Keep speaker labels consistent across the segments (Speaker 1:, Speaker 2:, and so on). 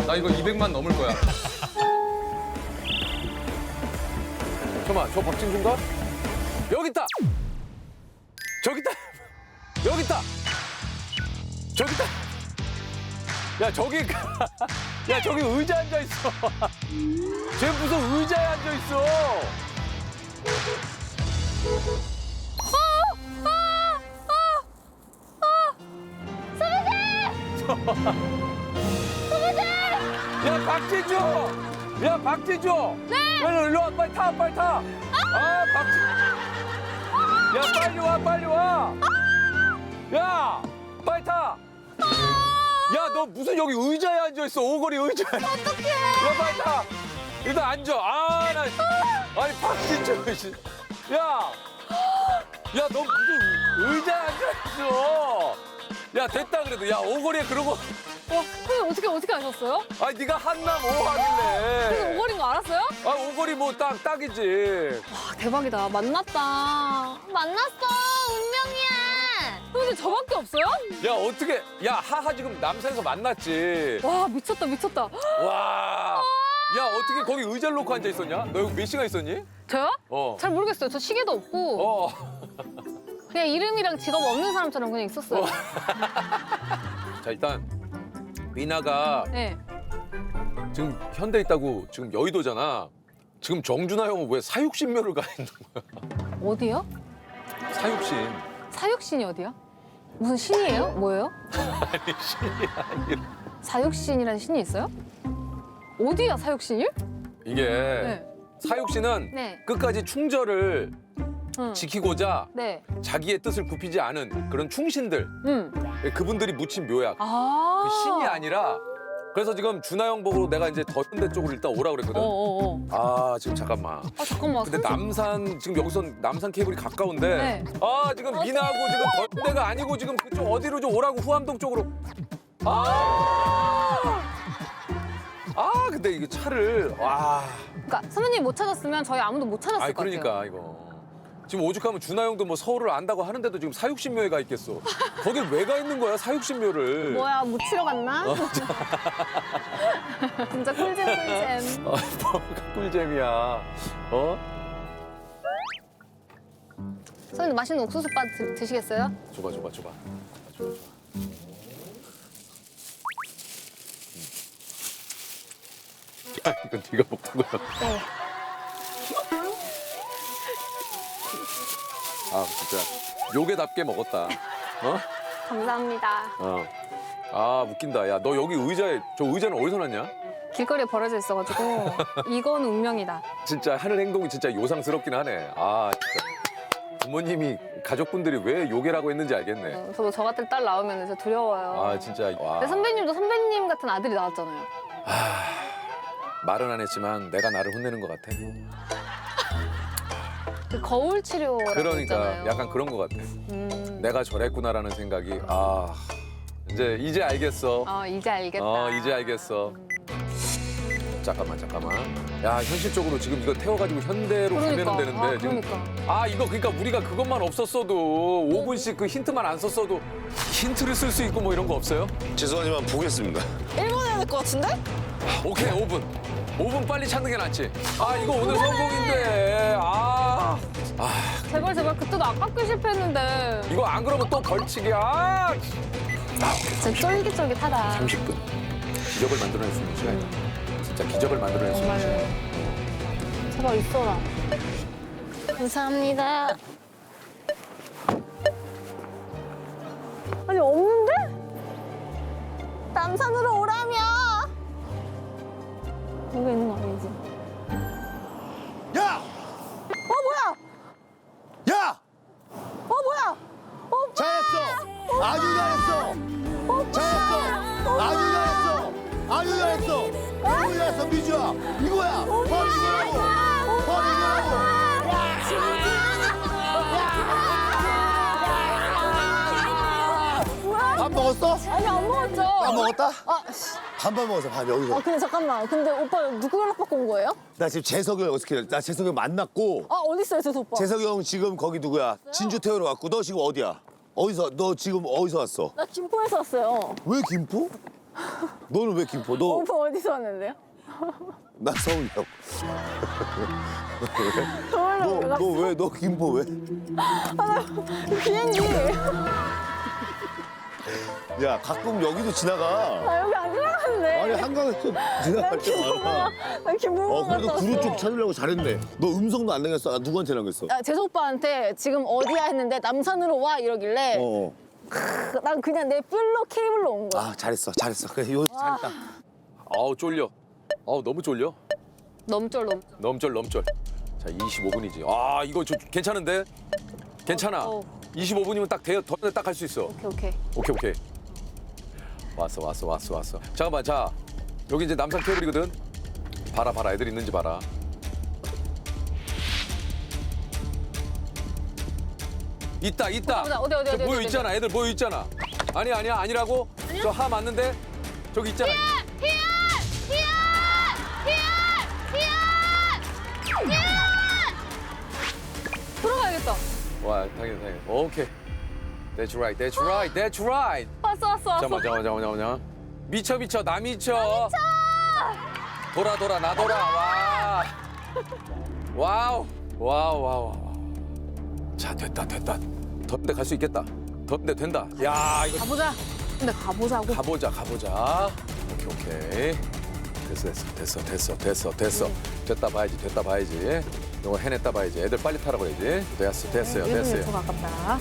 Speaker 1: 나 이거 200만 넘을 거야.
Speaker 2: 잠깐만, 저 박진주인가? 여기 있다. 저기 있다. 여기 있다. 저기 있다. 야, 저기 야, 저기 의자 앉아 있어. 쟤 무슨 의자에 앉아 있어. 야, 박진주! 야, 박진주! 네! 일로 와, 빨리 타, 빨리 타! 아, 박진주! 야, 빨리 와, 빨리 와! 야, 빨리 타! 야, 너 무슨 여기 의자에 앉아있어, 오거리 의자에.
Speaker 3: 어떡해.
Speaker 2: 야, 빨리 타! 일단 앉아. 아, 나. 아니, 박진주, 씨. 야! 야, 너 무슨 의자에 앉아있어! 야, 됐다 그래도. 야, 오거리에 그런 거.
Speaker 3: 선생님 어떻게 아셨어요?
Speaker 2: 아니, 네가 한남 오
Speaker 3: 그래서
Speaker 2: 하길래.
Speaker 3: 오거리인 거 알았어요?
Speaker 2: 아, 오거리 뭐 딱이지.
Speaker 3: 와, 대박이다. 만났다. 만났어. 운명이야. 선생님 저밖에 없어요?
Speaker 2: 야, 어떻게. 야, 하하 지금 남산에서 만났지.
Speaker 3: 와, 미쳤다, 미쳤다.
Speaker 2: 와. 야, 어떻게 거기 의자를 놓고 앉아 있었냐? 너 여기 몇 시간 있었니?
Speaker 3: 저요?
Speaker 2: 어.
Speaker 3: 잘 모르겠어요. 저 시계도 없고
Speaker 2: 어.
Speaker 3: 그냥 이름이랑 직업 없는 사람처럼 그냥 있었어요.
Speaker 2: 자, 일단 미나가
Speaker 3: 네.
Speaker 2: 지금 현대 있다고 지금 여의도잖아. 지금 정준하 형은 왜 사육신묘를 가 있는 거야?
Speaker 3: 어디요?
Speaker 2: 사육신.
Speaker 3: 사육신이 어디야? 무슨 신이에요? 뭐예요?
Speaker 2: 아니, 신이 아니라.
Speaker 3: 사육신이라는 신이 있어요? 어디야 사육신이?
Speaker 2: 이게
Speaker 3: 네.
Speaker 2: 사육신은
Speaker 3: 네.
Speaker 2: 끝까지 충절을
Speaker 3: 응.
Speaker 2: 지키고자
Speaker 3: 네.
Speaker 2: 자기의 뜻을 굽히지 않은 그런 충신들.
Speaker 3: 응.
Speaker 2: 그분들이 묻힌 묘약.
Speaker 3: 아.
Speaker 2: 그 신이 아니라. 그래서 지금 준하 형 보고 내가 이제 더 현대 쪽으로 일단 오라 그랬거든.
Speaker 3: 어어어.
Speaker 2: 아, 지금 잠깐만.
Speaker 3: 아 잠깐만.
Speaker 2: 근데 남산 지금 여기서 남산 케이블이 가까운데.
Speaker 3: 네.
Speaker 2: 아, 지금 미나하고 지금 더 현대가 아니고 지금 그쪽 어디로 좀 오라고 후암동 쪽으로. 아. 아, 근데 이게 차를 와.
Speaker 3: 그러니까 선배님 못 찾았으면 저희 아무도 못 찾았을
Speaker 2: 아니
Speaker 3: 것 같아요.
Speaker 2: 그러니까 이거. 지금 오죽하면 준하 형도 뭐 서울을 안다고 하는데도 지금 사육신묘에 가 있겠어. 거길 왜 가 있는 거야, 사육신묘를.
Speaker 3: 뭐야 묻히러 갔나?
Speaker 2: 어.
Speaker 3: 진짜 꿀잼 꿀잼.
Speaker 2: 아, 뭐가 꿀잼이야. 어?
Speaker 3: 선배님 맛있는 옥수수밥 드시겠어요?
Speaker 2: 줘봐. 야, 이건 네가 먹던 거야.
Speaker 3: 네.
Speaker 2: 아, 진짜 요괴답게 먹었다. 어?
Speaker 3: 감사합니다.
Speaker 2: 어. 아, 웃긴다. 야, 너 여기 저 의자는 어디서 났냐?
Speaker 3: 길거리에 버려져 있어가지고 이건 운명이다.
Speaker 2: 진짜 하는 행동이 진짜 요상스럽긴 하네. 아, 진짜. 부모님이 가족분들이 왜 요괴라고 했는지 알겠네.
Speaker 3: 저도 저 같은 딸 나오면 진짜 두려워요.
Speaker 2: 아, 진짜. 와.
Speaker 3: 근데 선배님도 선배님 같은 아들이 나왔잖아요.
Speaker 2: 말은 안 했지만 내가 나를 혼내는 것 같아.
Speaker 3: 그 거울 치료라고
Speaker 2: 그러니까
Speaker 3: 있잖아요.
Speaker 2: 약간 그런 것 같아. 내가 저랬구나라는 생각이 이제 알겠어.
Speaker 3: 이제 알겠다.
Speaker 2: 이제 알겠어. 잠깐만. 야, 현실적으로 지금 이거 태워가지고 현대로 가면 되는데 지금.
Speaker 3: 그러니까.
Speaker 2: 이거 그러니까 우리가 그것만 없었어도 5분씩 그 힌트만 안 썼어도 힌트를 쓸 수 있고 뭐 이런 거 없어요?
Speaker 4: 죄송하지만 보겠습니다.
Speaker 5: 1번 해야 될 것 같은데?
Speaker 2: 오케이, 5분. 5분 빨리 찾는 게 낫지. 이거 오늘 성공인데.
Speaker 3: 제발 그때도 아깝게 실패했는데.
Speaker 2: 이거 안 그러면 또 벌칙이야.
Speaker 3: 진짜 쫄깃쫄깃하다.
Speaker 2: 30분. 기적을 만들어낼 수 있는 시간이다. 진짜 기적을 만들어낼 수 있는 시간.
Speaker 3: 제발 있어라. 감사합니다. 아니 없는데? 남산으로 오라며. 여기 있는 거 아니지?
Speaker 4: 야!
Speaker 3: 뭐야?
Speaker 4: 야!
Speaker 3: 뭐야? 오빠!
Speaker 4: 잘했어! 아주 잘했어! 잘했어! 아주 잘했어! 아주 잘했어! 너무 잘했어, 미주야! 이거야! 바로 이거라고! 바로 이거라고! 밥 먹었어?
Speaker 3: 아니 안 먹었죠?
Speaker 4: 밥 먹었다?
Speaker 3: 씨.
Speaker 4: 반반 먹었어, 밥 여기서.
Speaker 3: 근데 잠깐만. 근데 오빠 누구 연락받고 온 거예요?
Speaker 4: 나 지금 재석이 형 어떻게 해? 나 재석이 형 만났고
Speaker 3: 어디 있어요, 저 오빠?
Speaker 4: 재석이 형 지금 거기 누구야? 진주 태우러 왔고 너 지금 어디야? 너 지금 어디서 왔어?
Speaker 3: 나 김포에서 왔어요.
Speaker 4: 왜 김포? 너는 왜 김포? 너
Speaker 3: 오빠 어디서 왔는데요?
Speaker 4: 나 서울이라고.
Speaker 3: 서울로 올라갔어.
Speaker 4: 너 왜? 너 김포 왜?
Speaker 3: 비행기.
Speaker 4: 야 가끔 여기도 지나가.
Speaker 3: 나 여기 안 지나갔는데.
Speaker 4: 아니 한강에서 지나갈 때 많아.
Speaker 3: 나 김포
Speaker 4: 그래도
Speaker 3: 갔다
Speaker 4: 그루
Speaker 3: 왔어.
Speaker 4: 쪽 찾으려고 잘했네. 너 음성도 안 남겼어? 아, 누구한테 남겼어?
Speaker 3: 야, 재석 오빠한테 지금 어디야 했는데 남산으로 와 이러길래
Speaker 4: 어.
Speaker 3: 난 그냥 내 뿔로 케이블로 온 거야.
Speaker 4: 아 잘했어. 그래 요 잘했다.
Speaker 2: 아우 쫄려. 아우 너무 쫄려.
Speaker 3: 넘절.
Speaker 2: 넘절. 자 25분이지. 아 이거 괜찮은데? 괜찮아. 25분이면 딱 돼요. 더 딱 할 수 있어.
Speaker 3: 오케이.
Speaker 2: 오케이. 왔어. 잠깐만 자 여기 이제 남산 케이블이거든. 봐라 애들 있는지 봐라. 있다.
Speaker 3: 보자, 어디,
Speaker 2: 저 모여
Speaker 3: 어디.
Speaker 2: 있잖아. 애들 모여 있잖아. 아니야 아니라고? 저 하 맞는데 저기 있잖아.
Speaker 3: 들어가야겠다.
Speaker 2: 와 당연히. 오케이. That's right.
Speaker 3: 왔어.
Speaker 2: 잠깐만. 미쳐 나 미쳐. 돌아 나 돌아. 와우. 자 됐다. 더운데 갈 수 있겠다. 더운데 된다. 야 이거
Speaker 3: 가보자. 근데 가보자고.
Speaker 2: 가보자. 오케이. 됐어. 됐다 봐야지. 이거 해냈다 봐야지. 애들 빨리 타라고 해야지. 됐어요.
Speaker 3: 1분 가깝다.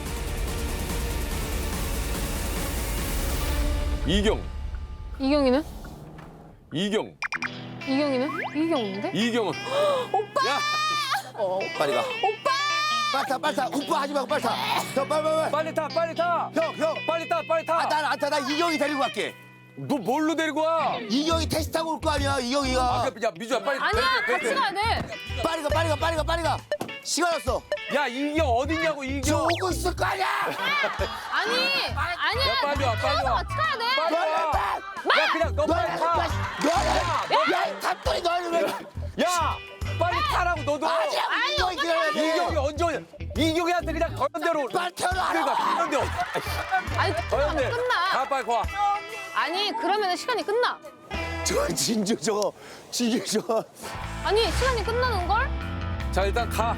Speaker 3: 이경이는? 이경이는? 이경인데?
Speaker 2: 이경은. 오빠. 야
Speaker 4: 빨리 가. 오빠. 빨리 타. 오빠 하지 말고 빨리 타. 형 빨리.
Speaker 2: 빨리 타.
Speaker 4: 형.
Speaker 2: 빨리 타.
Speaker 4: 아, 난 안 타. 나 이경이 데리고 갈게.
Speaker 2: 너 뭘로 데리고 와?
Speaker 4: 이경이 택시 타고 올 거 아니야. 이경이가.
Speaker 2: 야 미주야 빨리.
Speaker 3: 아니야, 같이 가야 돼.
Speaker 4: 빨리 가. 시간 없어.
Speaker 2: 야 이경 어딨냐고
Speaker 4: 저
Speaker 2: 이경.
Speaker 4: 오고 있을 거 아니야.
Speaker 3: 아니야.
Speaker 2: 야, 빨리 와.
Speaker 3: 같이 가야 돼.
Speaker 2: 빨리 와. 야 그냥 너 빨리 타.
Speaker 4: 야, 탑돌이 너는 왜?
Speaker 2: 야 빨리 타라고 너도.
Speaker 4: 아니야, 이경이 기다려야 돼.
Speaker 2: 이경이 언제 오냐? 이경이한테 그냥 더현대로.
Speaker 4: 빨리 태어나.
Speaker 2: 그러니까 더현대.
Speaker 3: 아니,
Speaker 2: 더현대.
Speaker 3: 끝나.
Speaker 2: 가 빨리 가.
Speaker 3: 아니, 그러면 시간이 끝나.
Speaker 4: 저 진주 저거.
Speaker 3: 아니, 시간이 끝나는 걸?
Speaker 2: 자 일단 가.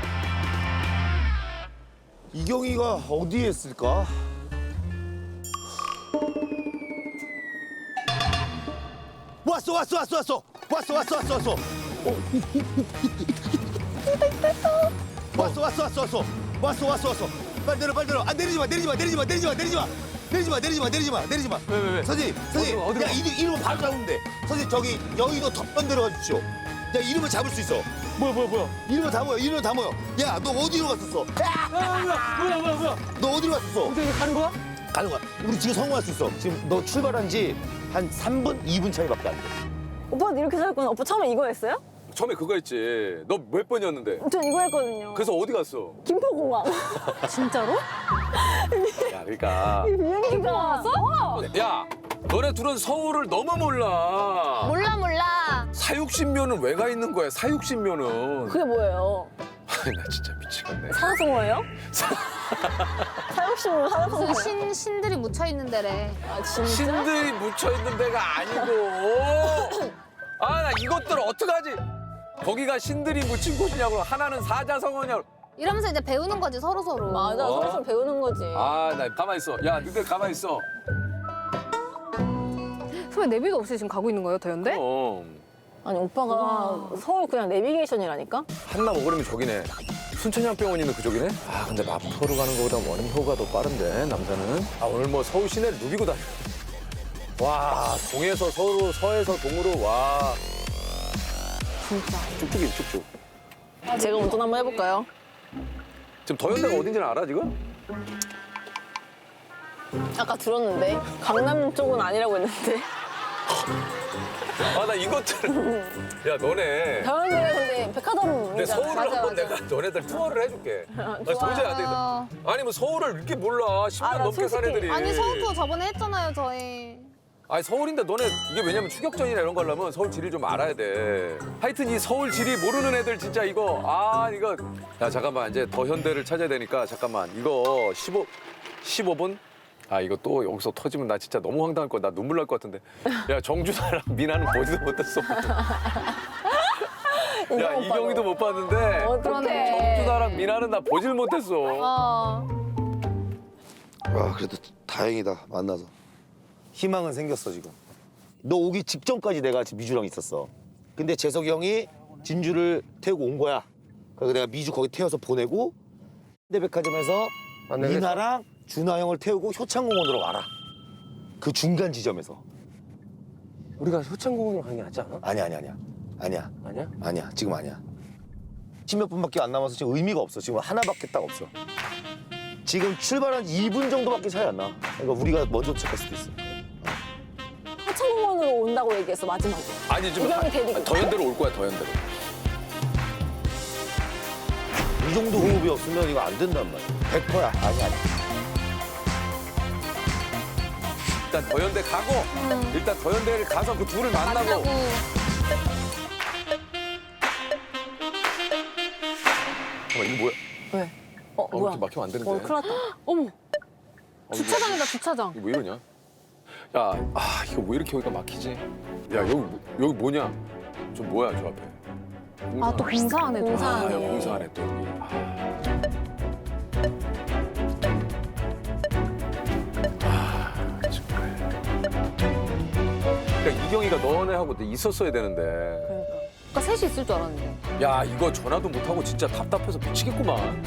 Speaker 4: 이경이가 어디에 있을까? 왔어. 왔어. 빨리 내려. 아, 내리지 마.
Speaker 2: 왜?
Speaker 4: 선생님.
Speaker 2: 어디로
Speaker 4: 야,
Speaker 2: 가?
Speaker 4: 이름은 바로 잡으면 돼. 선생님, 저기 여의도 덮번 내려가 주십시오. 야, 이름을 잡을 수 있어.
Speaker 2: 뭐야?
Speaker 4: 이름은 다 모여. 야, 너 어디로 갔었어?
Speaker 2: 뭐야?
Speaker 4: 너 어디로 갔었어?
Speaker 2: 어떻게 가는 거야?
Speaker 4: 가는 거야. 우리 지금 성공할 수 있어. 지금 너 출발한 지 한 3분, 2분 차이밖에 안 돼.
Speaker 3: 오빠는 이렇게 살았구나. 오빠 처음에 이거 했어요?
Speaker 2: 처음에 그거 했지. 너 몇 번이었는데?
Speaker 3: 전 이거 했거든요.
Speaker 2: 그래서 어디 갔어?
Speaker 3: 김포공항. 진짜로?
Speaker 2: 야 그러니까.
Speaker 3: 비행기가 왔어?
Speaker 2: 야 너네 둘은 서울을 너무 몰라.
Speaker 3: 몰라.
Speaker 2: 사육신묘는 왜 가 있는 거야? 사육신묘는.
Speaker 3: 그게 뭐예요?
Speaker 2: 아니 나 진짜 미치겠네.
Speaker 3: 사자성어예요? 사육신으로 사자성어예요?
Speaker 1: 무슨 신들이 묻혀 있는 데래.
Speaker 3: 아, 진짜?
Speaker 2: 신들이 묻혀 있는 데가 아니고. 아 나 이것들 어떡하지? 거기가 신들이 묻힌 곳이냐고. 하나는 사자성어냐고.
Speaker 1: 이러면서 이제 배우는 거지 서로.
Speaker 3: 맞아, 서로 배우는 거지.
Speaker 2: 아 나 가만 있어. 야 너희들 가만 있어.
Speaker 3: 선배 내비도 없이 지금 가고 있는 거예요, 더현대?
Speaker 5: 아니 오빠가 서울 그냥 내비게이션이라니까?
Speaker 2: 한남 오거리면 저기네. 순천향병원 있는 그쪽이네? 아 근데 마포로 가는 거보다 원효가 더 빠른데 남자는. 아 오늘 뭐 서울 시내를 누비고 다녀. 와 동에서 서로 서에서 동으로 와.
Speaker 5: 진짜.
Speaker 2: 쭉쭉.
Speaker 5: 제가 운전 한번 해볼까요?
Speaker 2: 지금 더현대가 어딘지는 알아 지금?
Speaker 5: 아까 들었는데 강남 쪽은 아니라고 했는데
Speaker 2: 아 나 이것들. 야 너네.
Speaker 5: 더현대가 근데
Speaker 2: 내
Speaker 5: 백화점이잖아.
Speaker 2: 서울을
Speaker 5: 맞아,
Speaker 2: 한번
Speaker 5: 맞아.
Speaker 2: 내가 너네들 투어를 해줄게. 나
Speaker 5: 좋아요.
Speaker 2: 도저히 안 되겠다. 아니 뭐 서울을 이렇게 몰라. 10년
Speaker 5: 아, 나
Speaker 2: 넘게 산
Speaker 5: 솔직히-
Speaker 2: 애들이.
Speaker 1: 아니 서울 투어 저번에 했잖아요 저희.
Speaker 2: 아니 서울인데 너네 이게 왜냐면 추격전이나 이런 거 하려면 서울 지리를 좀 알아야 돼. 하여튼 이 서울 지리 모르는 애들 진짜 이거 이거. 야 잠깐만 이제 더 현대를 찾아야 되니까 잠깐만 이거 15분? 아 이거 또 여기서 터지면 나 진짜 너무 황당할 거야. 나 눈물 날 것 같은데. 야 정준하랑 미나는 보지도 못했어. 야 이경이도 못 봤는데
Speaker 5: 어떡해.
Speaker 2: 정준하랑 미나는 나 보질 못했어.
Speaker 1: 어.
Speaker 4: 아 그래도 다행이다 만나서.
Speaker 6: 희망은 생겼어 지금. 너 오기 직전까지 내가 지금 미주랑 있었어. 근데 재석이 형이 진주를 태우고 온 거야. 그래서 내가 미주 거기 태워서 보내고 현대백화점에서 미나랑 준하 형을 태우고 효창공원으로 와라. 그 중간 지점에서.
Speaker 7: 우리가 효창공원으로 가는 게 낫지 않아?
Speaker 6: 아니야.
Speaker 7: 아니야?
Speaker 6: 아니야. 지금 아니야. 10몇 분밖에 안 남아서 지금 의미가 없어. 지금 하나밖에 딱 없어. 지금 출발한 2분 정도밖에 차이 안 나. 그러니까 우리가 먼저 도착할 수도 있어.
Speaker 5: 하천공원으로 온다고 얘기했어 마지막에.
Speaker 2: 아니 지금
Speaker 5: 이경이 데리고.
Speaker 2: 더현대로 올 거야 더현대로.
Speaker 6: 이 정도 호흡이 없으면 이거 안 된단 말이야. 100%야. 아니야.
Speaker 2: 일단 더현대 가고 일단 더현대를 가서 그 둘을 만나고.
Speaker 1: 만나고.
Speaker 2: 잠깐만 이거 뭐야?
Speaker 5: 왜? 뭐야?
Speaker 2: 이렇게 막히면 안 되는데.
Speaker 5: 큰일 났다.
Speaker 3: 어머,
Speaker 2: 이거
Speaker 3: 주차장이다, 주차장.
Speaker 2: 이거 왜 이러냐? 야, 이거 왜 이렇게 여기가 막히지? 야, 여기 뭐냐? 저 뭐야, 저 앞에?
Speaker 3: 아, 또 공사하네, 또.
Speaker 5: 공사하네.
Speaker 2: 야, 공사하네 또 여기. 정말. 그러니까 이경이가 너네하고 있었어야 되는데.
Speaker 3: 아까 셋이 있을 줄 알았는데.
Speaker 2: 야, 이거 전화도 못하고 진짜 답답해서 미치겠구만.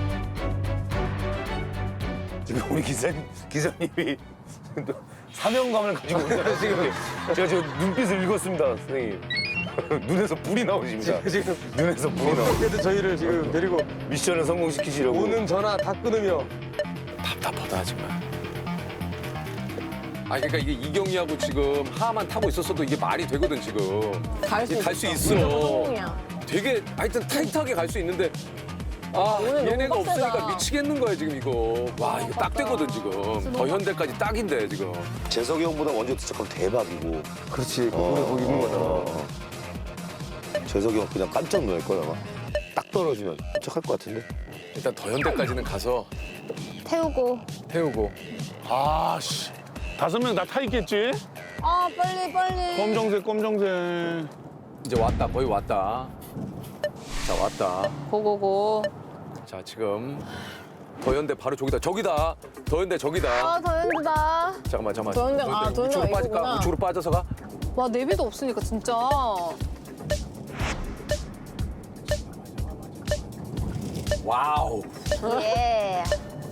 Speaker 6: 지금 우리 기사님이 사명감을 가지고 있어요. 지금 제가 지금 눈빛을 읽었습니다, 선생님. 눈에서 불이 나오십니다.
Speaker 7: 지금
Speaker 6: 눈에서 불이 나오.
Speaker 7: 어떻게든 저희를 지금 데리고
Speaker 6: 미션을 성공시키시려고.
Speaker 7: 오는 전화 다 끊으며
Speaker 2: 답답하다 정말. 그러니까 이게 이경이하고 지금 하만 타고 있었어도 이게 말이 되거든 지금.
Speaker 5: 갈 수
Speaker 2: 갈 수
Speaker 5: 있어.
Speaker 2: 있어.
Speaker 5: 성공이야.
Speaker 2: 되게 하여튼 타이트하게 갈 수 있는데
Speaker 5: 오늘 너무
Speaker 2: 얘네가
Speaker 5: 빡세다.
Speaker 2: 없으니까 미치겠는 거야 지금 이거. 와 이거 딱 되거든 지금. 더현대까지 딱인데 지금.
Speaker 6: 재석이 형보다 먼저 도착하면 대박이고.
Speaker 7: 그렇지 우리 거기 있는 거잖아.
Speaker 6: 재석이 형 그냥 깜짝 놀랄 거야 아마. 딱 떨어지면 도착할 것 같은데.
Speaker 2: 일단 더현대까지는 가서
Speaker 1: 태우고.
Speaker 2: 태우고.
Speaker 8: 아씨 5명 다 타 있겠지?
Speaker 1: 아, 빨리.
Speaker 8: 검정색.
Speaker 2: 이제 왔다 거의 왔다. 자 왔다.
Speaker 3: 고고고.
Speaker 2: 자 지금 더현대 바로 저기다. 더현대 저기다.
Speaker 1: 아, 더 힘들다.
Speaker 2: 잠깐만.
Speaker 5: 더현대가
Speaker 2: 우측으로 빠질까?
Speaker 5: 이거구나.
Speaker 2: 우측으로 빠져서 가.
Speaker 3: 와, 내비도 없으니까 진짜.
Speaker 2: 와우.
Speaker 1: 예.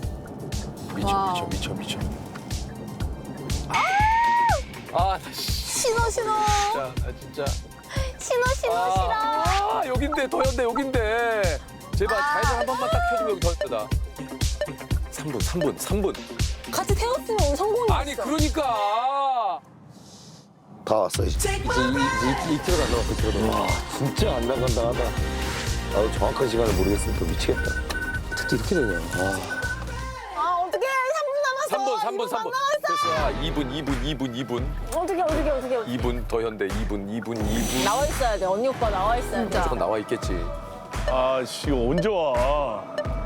Speaker 2: 미쳐. 나
Speaker 1: 신호.
Speaker 2: 진짜.
Speaker 1: 신호.
Speaker 2: 아, 여긴데 더현대 여긴데. 제발 좌회전 한 번만 딱 켜주면 여기 더현대다. 3분.
Speaker 5: 같이 태웠으면 우리 성공이었어.
Speaker 2: 아니 그러니까.
Speaker 6: 다 왔어 이제.
Speaker 7: 이제 2km가 안 남았어 2km도.
Speaker 6: 와 진짜 안 나간다 하다. 나도 정확한 시간을 모르겠으니까 미치겠다.
Speaker 7: 어떻게 이렇게 되냐.
Speaker 1: 아, 어떡해. 3분 남았어.
Speaker 2: 3분. 됐어. 2분.
Speaker 5: 어떻게.
Speaker 2: 2분 더현대 2분.
Speaker 5: 나와 있어야 돼. 언니 오빠 나와 있어야 돼.
Speaker 2: 무조건 나와 있겠지.
Speaker 8: 아씨 이거 언제 와?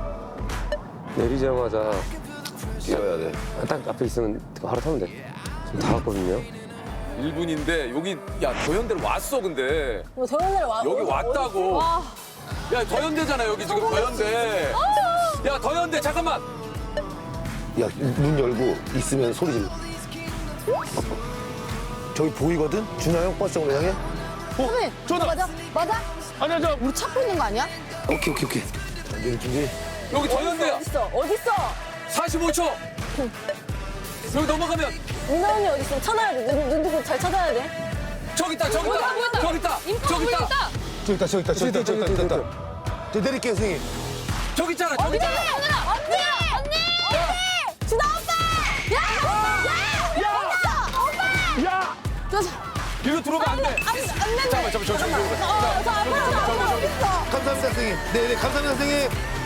Speaker 7: 내리자마자
Speaker 6: 뛰어야 돼.
Speaker 7: 딱 앞에 있으면 바로 타면 돼. 지금 다 왔거든요.
Speaker 2: 1분인데 여기 야 더현대로 왔어 근데.
Speaker 5: 뭐 더현대를 와.
Speaker 2: 여기 왔다고. 야 더현대잖아 여기 지금 더현대. 야 더현대 잠깐만.
Speaker 6: 야 문 열고 있으면 소리 질러. 저기 보이거든? 준하 형 버스 정도 향해?
Speaker 1: 선생님,
Speaker 8: 저다.
Speaker 1: 맞아?
Speaker 8: 아니야 저
Speaker 1: 우리 찾고 있는 거 아니야?
Speaker 6: 오케이. 준비.
Speaker 2: 여기 더현대야.
Speaker 5: 어딨어?
Speaker 2: 45초. 여기 넘어가면
Speaker 5: 민아 언니 어딨어? 찾아야 돼. 눈 두고 잘 찾아야 돼.
Speaker 2: 저기 있다.
Speaker 3: 보인다.
Speaker 2: 저기 있다.
Speaker 6: 저기 있다. 저 내릴게요 선생님.
Speaker 2: 저기 있잖아. 저기 있잖아.
Speaker 1: 언니! 준아 오빠!
Speaker 8: 야!
Speaker 2: 이리로 들어오면 안 돼.
Speaker 1: 안 된대.
Speaker 2: 잠깐만. 저기.
Speaker 1: 저 앞으로
Speaker 6: 감사합니다 선생님. 네 감사합니다 선생님.